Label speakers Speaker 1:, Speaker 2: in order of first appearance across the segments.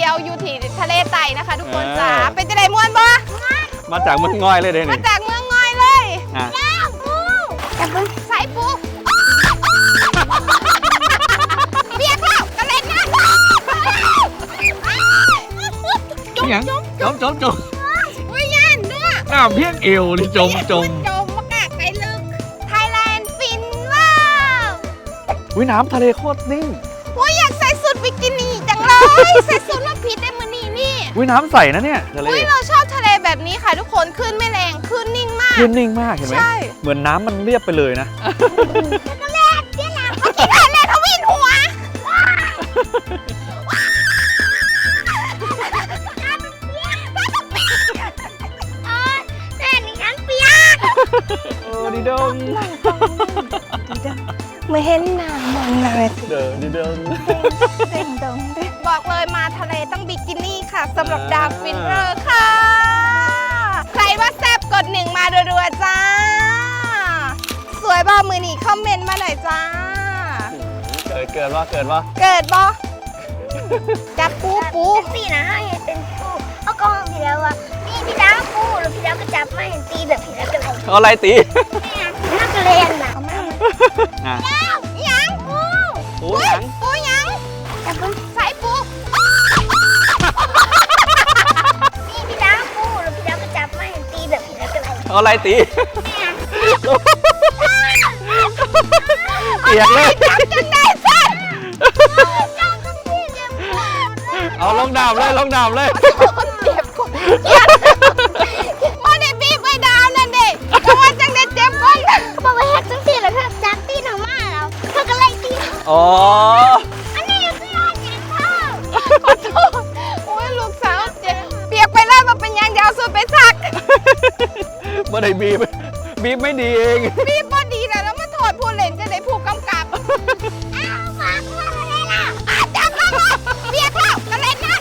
Speaker 1: ยวอยู่ที่ทะเลไต่นะคะทุกคนจ้าเป็นจะได้ม่วนบ่
Speaker 2: มาจากเมืองง่อยเลยเด้นี่
Speaker 1: มาจากเมืองง่อยเลยจับปูใส่ปูเปียกแล้วกระเล่นนะ
Speaker 2: จุ๊บจุ๊บ
Speaker 1: อุ้ยยันเนื้อ
Speaker 2: น้ำเพียงเอวนี่จม
Speaker 1: มากะไปลึกไทยแลนด์ฟินว้าว
Speaker 2: อุ้ยน้ำทะเลโคตรนิ่ง
Speaker 1: อยากใส่สุดบิกินี่จังเลยใส่สุดแล้วผิดได้มือนี่
Speaker 2: อุ้ยน้ำใสนะเนี่ยทะเล
Speaker 1: เราชอบทะเลแบบนี้ค่ะทุกคนขึ้นไม่แรงขึ้นนิ่งมาก
Speaker 2: เห็นไหมเหมือนน้ำมันเรียบไปเลยนะ
Speaker 1: ก็แรกเจ๊หลังกินทะเลทวินหัว
Speaker 2: ดีดง
Speaker 1: ไม่เห็นหน้ามองหน้า
Speaker 2: ดีดง
Speaker 1: บอกเลยมาทะเลต้องบิกินี่ค่ะสำหรับดาวฟินเรอร์ค่ะใครว่าแซ่บกด1มารัวๆจ้าสวยบ่มือนี่คอมเมนต์มาหน่อยจ้า
Speaker 2: เกิดบ่
Speaker 1: จับปู
Speaker 3: ตีนะให้เป็นปูเอากองพี่แล้วว่านี่พี่ดาวปูแล้วพี่ดาวก็จับมาเห็นตีแบบพี่ดาวกันเลย
Speaker 2: เอาอะไรตี
Speaker 3: น่าจะเล่นนะ
Speaker 1: ยังปูยัง
Speaker 3: จับปู
Speaker 1: ใส่ปู
Speaker 3: นี่พี่ดาวปูแล้วพี่ดาวก็จับมาเห็นตีแบบพี่ดาวกันเลย
Speaker 2: เอาอะไรตีเปียกเลย
Speaker 1: จนได้สั้น
Speaker 2: เอาลงดาบเลย
Speaker 1: เจ็บก่อนมาได้บีบไว้ดาวนั่นดิก็ว่าจังได้เจ็บก่อน
Speaker 3: เขาบอกว่าแฮกจังสิแล้วเธอจับตีหนังมาแล้วเธอก็ไล่ตี
Speaker 2: อ๋อ
Speaker 3: อันนี้คืออะไรเนี่ยเธอ
Speaker 1: ขอโทษโอ้ยลูกสาวเจ็บเปียกไปแล้วมาเป็นยังยาวสุดไปซัก
Speaker 2: เมื่อไหร่บีบไม่ดีเอง
Speaker 1: บีบพอดีแล้วมาโทษผู้เล่นจะได้ผู้กำกับ
Speaker 3: ฝากว่าอะไรล่ะ
Speaker 1: จับแล้วเปียกแล้วกระเล่นนะ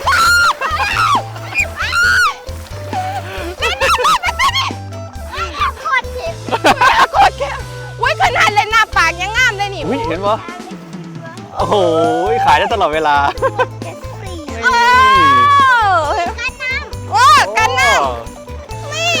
Speaker 3: โคตรเจ็บ
Speaker 1: อุ้ยขนาดเล่นหน้าปากยังงามเลยนี่
Speaker 2: เห็นปะโอ้โหขายได้ตลอดเวลา
Speaker 3: กันน้ำ
Speaker 1: โอ้กันน้ำนี่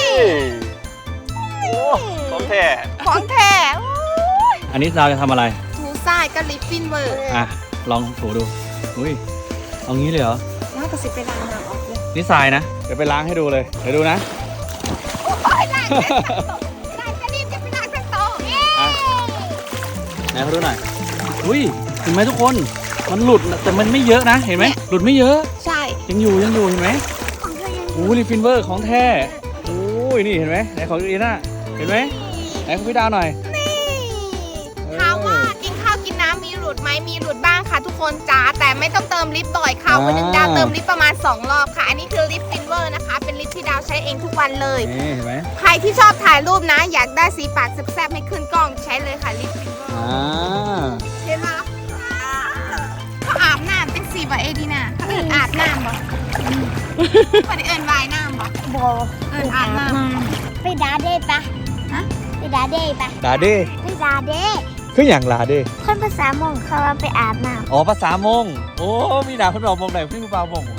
Speaker 2: ของแท้อันนี้เราจะทำอะไร
Speaker 1: ถูทรายกับลิปฟินเวอร์
Speaker 2: ลองถูดูอุ้ยเอางี้เลยเหรอ
Speaker 1: น่าจะสิไปล้างน้ำออกเลย
Speaker 2: นี่ทรายนะเดี๋ยวไปล้างให้ดูเลยเดี๋ยวดูนะ
Speaker 1: โอ้ยล้างจะรีบจะไปล้างทั้งโต๊ะ
Speaker 2: ไหนเขาดูหน่อยอุ้ยเห็นไหมทุกคนมันหลุดแต่มันไม่เยอะนะเห็นไหมหลุดไม่เยอะ
Speaker 1: ใช่
Speaker 2: ยังอยู่เห็นไหมโอ้ลิปฟินเวอร์ของแท้โอ้ยนี่เห็นไหมไหนของอีน่าเห็นไหมไหนของพี่ดาวหน่อย
Speaker 1: ถามว่ากินข้าวกินน้ำมีหลุดไหมมีหลุดบ้างค่ะทุกคนจ้าแต่ไม่ต้องเติมลิปบ่อยค่ะวันนึงดาวเติมลิปประมาณ2 รอบค่ะอันนี้คือลิปฟินเวอร์นะคะเป็นลิปที่ดาวใช้เองทุกวันเลย
Speaker 2: เห็นไหม
Speaker 1: ใครที่ชอบถ่ายรูปนะอยากได้สีปากแซ่บๆให้ขึ้นกล้องใช้เลยค่ะลิปฟินเวอร์เห็นไหมเขาอาบน้ำเป็นสีแบบเอดีน่ะเขาอาบน้ำบ่เขาได้วายน้ำบ่อาบน้
Speaker 3: ำไปดาเด้ปะไปดาเด้ปะ
Speaker 2: ดาเด้
Speaker 3: ไปดาเด้
Speaker 2: คืออย่างลาเด้
Speaker 3: คนภาษามงเขาว่าไปอาบน้ำ
Speaker 2: อ๋อภาษามงโอ้มีหนาคนบอกมงไหนพี่ผู้บ่าวมง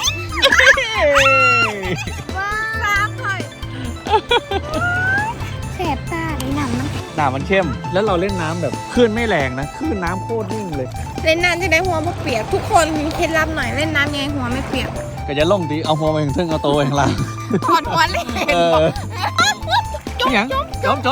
Speaker 1: ว้าวเลย
Speaker 3: แสบตาเลย
Speaker 2: น้ำมันเข้มแล้วเราเล่นน้ำแบบคลื่นไม่แรงนะคลื่นน้ำโคตรนิ่งเลย
Speaker 1: เล่นน้ำจะได้หัวไม่เปียกทุกคนมีเคล็ดลับหน่อยเล่นน้ำยังไงหัวไม่เปียก
Speaker 2: ก็จะล่มดีเอาหัวไปถึงเอาตัวเองละ
Speaker 1: ถอดหัวเล่น
Speaker 2: จุ๊บ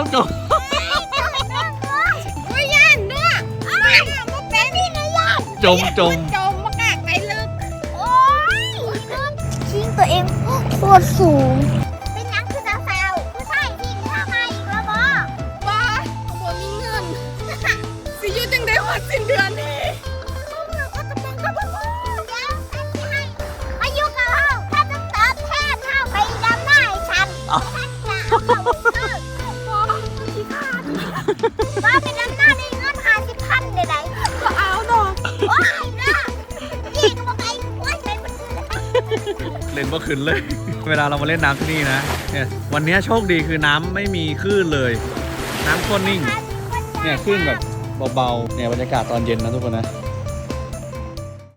Speaker 1: ยันด้วยเป็นนี่นะยัน
Speaker 2: จม
Speaker 1: มากากไปลึก
Speaker 3: โอ้ยชิงตัวเองโคตรสูงเป็นยังคือสาวผู้ชายจริงทำไมอีกแล้วบ่
Speaker 1: มีเงินสิยุจังได้หัวสิ้นเดือนนี่
Speaker 3: อายุกับเราถ้าต้องตอบแทนเท่าไปดำหน้าให้ฉันว่าเป็นดำหน้าในเงิน50,000ใดๆ
Speaker 1: ก็เอาดอก
Speaker 3: โอ้ยนะพี่ก็บอกไปโอ้ย
Speaker 2: เล่นเมื่อคืนเลยเวลาเรามาเล่นน้ำที่นี่นะเนี่ยวันนี้โชคดีคือน้ำไม่มีคลื่นเลยน้ำโคตรนิ่งเนี่ยคลื่นแบบเบาๆเนี่ยบรรยากาศตอนเย็นนะทุกคนนะ